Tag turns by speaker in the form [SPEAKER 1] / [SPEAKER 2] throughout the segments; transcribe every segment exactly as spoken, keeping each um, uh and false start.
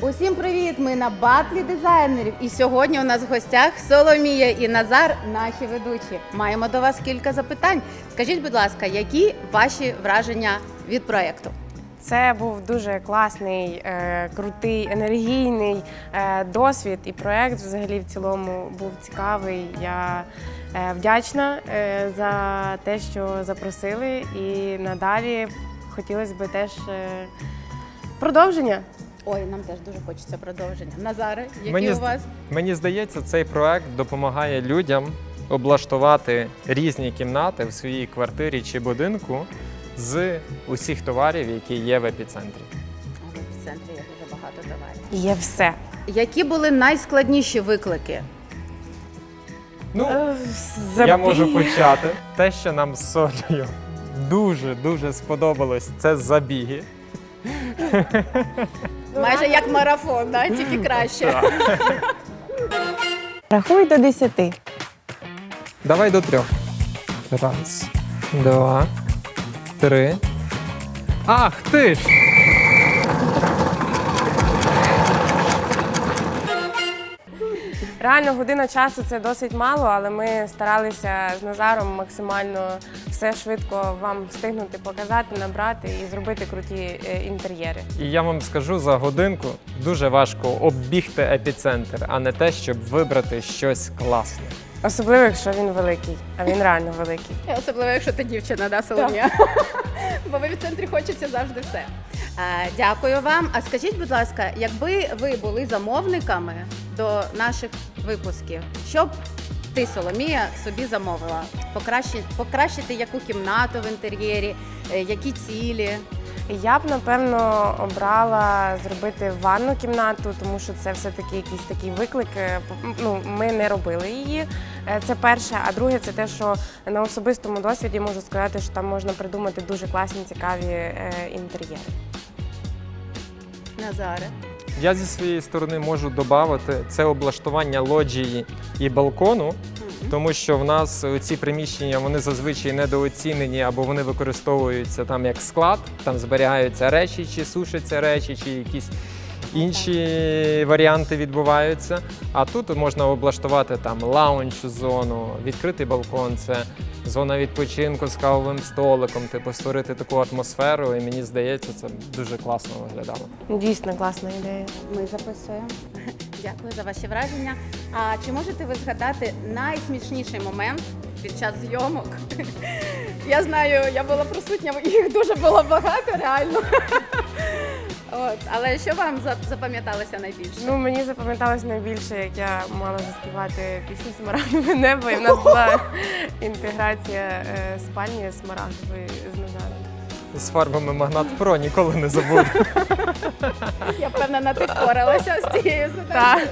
[SPEAKER 1] Усім привіт! Ми на батлі дизайнерів. І сьогодні у нас в гостях Соломія і Назар, наші ведучі. Маємо до вас кілька запитань. Скажіть, будь ласка, які ваші враження від проєкту?
[SPEAKER 2] Це був дуже класний, е, крутий, енергійний е, досвід, і проєкт взагалі в цілому був цікавий. Я е, вдячна е, за те, що запросили, і надалі хотілося б теж е, продовження.
[SPEAKER 1] Ой, нам теж дуже хочеться продовження. Назаре, які
[SPEAKER 3] Мені,
[SPEAKER 1] у вас?
[SPEAKER 3] Мені здається, цей проект допомагає людям облаштувати різні кімнати в своїй квартирі чи будинку з усіх товарів, які є в епіцентрі.
[SPEAKER 1] В епіцентрі є дуже багато товарів.
[SPEAKER 2] Є все.
[SPEAKER 1] Які були найскладніші виклики?
[SPEAKER 3] Ну,
[SPEAKER 2] Е,
[SPEAKER 3] я
[SPEAKER 2] забі-
[SPEAKER 3] можу почати. Те, що нам з Солею дуже-дуже сподобалось, це забіги.
[SPEAKER 1] Майже як марафон, да? Тільки краще.
[SPEAKER 2] Рахуй до десяти.
[SPEAKER 3] Давай до трьох. Раз, два, три. Ах ти ж!
[SPEAKER 2] Реально, година часу – це досить мало, але ми старалися з Назаром максимально все швидко вам встигнути показати, набрати і зробити круті е, інтер'єри.
[SPEAKER 3] І я вам скажу, за годинку дуже важко оббігти епіцентр, а не те, щоб вибрати щось класне.
[SPEAKER 2] Особливо, якщо він великий, а він реально великий.
[SPEAKER 1] Особливо, якщо ти дівчина, да, Соломія? Бо в епіцентрі хочеться завжди все. Е, Дякую вам. А скажіть, будь ласка, якби ви були замовниками до наших випусків, що б ти, Соломія, собі замовила? Покращити, покращити яку кімнату в інтер'єрі, е, які цілі?
[SPEAKER 2] Я б, напевно, обрала зробити ванну кімнату, тому що це все-таки якийсь такий виклик. Ну, ми не робили її, це перше. А друге, це те, що на особистому досвіді можу сказати, що там можна придумати дуже класні, цікаві е, інтер'єри.
[SPEAKER 1] Назаре.
[SPEAKER 3] Я зі своєї сторони можу додати це облаштування лоджії і балкону, тому що в нас ці приміщення, вони зазвичай недооцінені або вони використовуються там як склад, там зберігаються речі, чи сушаться речі, чи якісь інші варіанти відбуваються. А тут можна облаштувати там лаунж-зону, відкритий балкон, це зона відпочинку з кавовим столиком, типу створити таку атмосферу, і мені здається, це дуже класно виглядало.
[SPEAKER 2] Дійсно класна ідея.
[SPEAKER 1] Ми записуємо. Дякую за ваші враження. А чи можете ви згадати найсмішніший момент під час зйомок? Я знаю, я була присутня, їх дуже було багато, реально. От, але що вам запам'яталося найбільше?
[SPEAKER 2] Ну, мені запам'яталось найбільше, як я мала заспівати пісню «Смарагдове небо», і в нас була інтеграція е, спальні смарагдової з Назаром.
[SPEAKER 3] З фарбами Магнат Про ніколи не забуду.
[SPEAKER 1] Я впевнена, ти впоралася з цією задачею.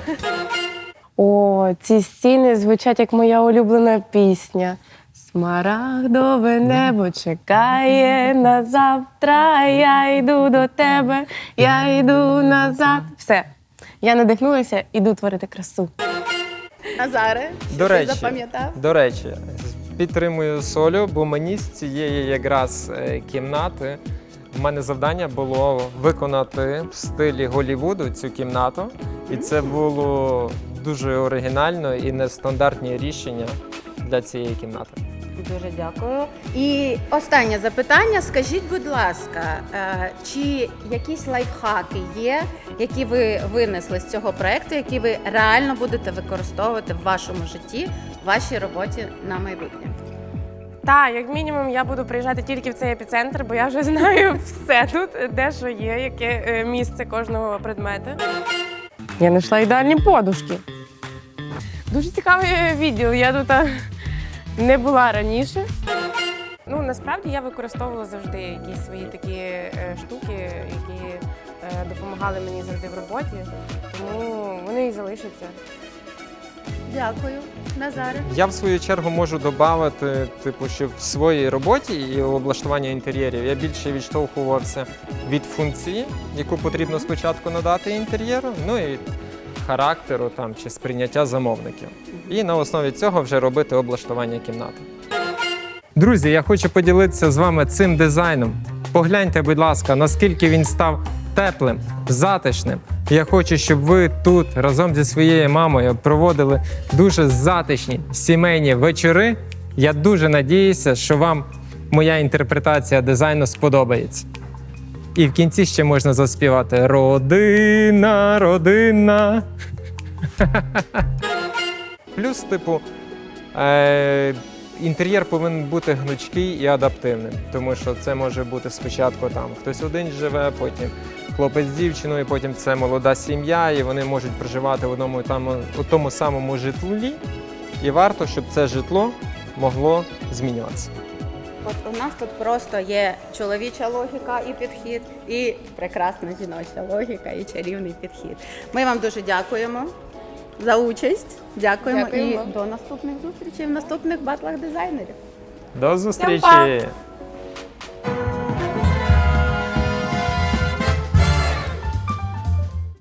[SPEAKER 2] О, ці стіни звучать як моя улюблена пісня. Смарагдове небо чекає на завтра, я йду до тебе, я йду назад. Все, я надихнулася, іду творити красу.
[SPEAKER 1] Назаре, що
[SPEAKER 3] До
[SPEAKER 1] ти
[SPEAKER 3] речі,
[SPEAKER 1] запам'ятав?
[SPEAKER 3] До речі, підтримую Солю, бо мені з цієї якраз е, кімнати в мене завдання було виконати в стилі Голлівуду цю кімнату. І це було дуже оригінально і нестандартні рішення для цієї кімнати.
[SPEAKER 1] Дуже дякую. І останнє запитання. Скажіть, будь ласка, е, чи якісь лайфхаки є, які ви винесли з цього проєкту, які ви реально будете використовувати в вашому житті, в вашій роботі на майбутнє?
[SPEAKER 2] Так, як мінімум, я буду приїжджати тільки в цей епіцентр, бо я вже знаю все тут, де що є, яке е, місце кожного предмету. Я знайшла ідеальні подушки. Дуже цікавий відділ, я тут а, не була раніше. Ну, насправді я використовувала завжди якісь свої такі е, штуки, які е, допомагали мені завжди в роботі, тому вони і залишаться.
[SPEAKER 1] Дякую, Назаре.
[SPEAKER 3] Я в свою чергу можу додати, типу, що в своїй роботі і облаштуванні інтер'єрів я більше відштовхувався від функції, яку потрібно спочатку надати інтер'єру, ну і характеру там чи сприйняття замовників. І на основі цього вже робити облаштування кімнати. Друзі, я хочу поділитися з вами цим дизайном. Погляньте, будь ласка, наскільки він став теплим, затишним. Я хочу, щоб ви тут разом зі своєю мамою проводили дуже затишні сімейні вечори. Я дуже надіюся, що вам моя інтерпретація дизайну сподобається. І в кінці ще можна заспівати «Родина, родина». Плюс, типу, е- інтер'єр повинен бути гнучкий і адаптивним, тому що це може бути спочатку там хтось один живе, потім хлопець з дівчиною, потім це молода сім'я, і вони можуть проживати в одному там, у тому самому житлі. І варто, щоб це житло могло змінюватися.
[SPEAKER 1] От у нас тут просто є чоловіча логіка і підхід, і прекрасна жіноча логіка і чарівний підхід. Ми вам дуже дякуємо за участь. Дякуємо,
[SPEAKER 2] Дякуємо.
[SPEAKER 1] і до наступних зустрічей в наступних батлах дизайнерів.
[SPEAKER 3] До зустрічі!
[SPEAKER 2] Всім па!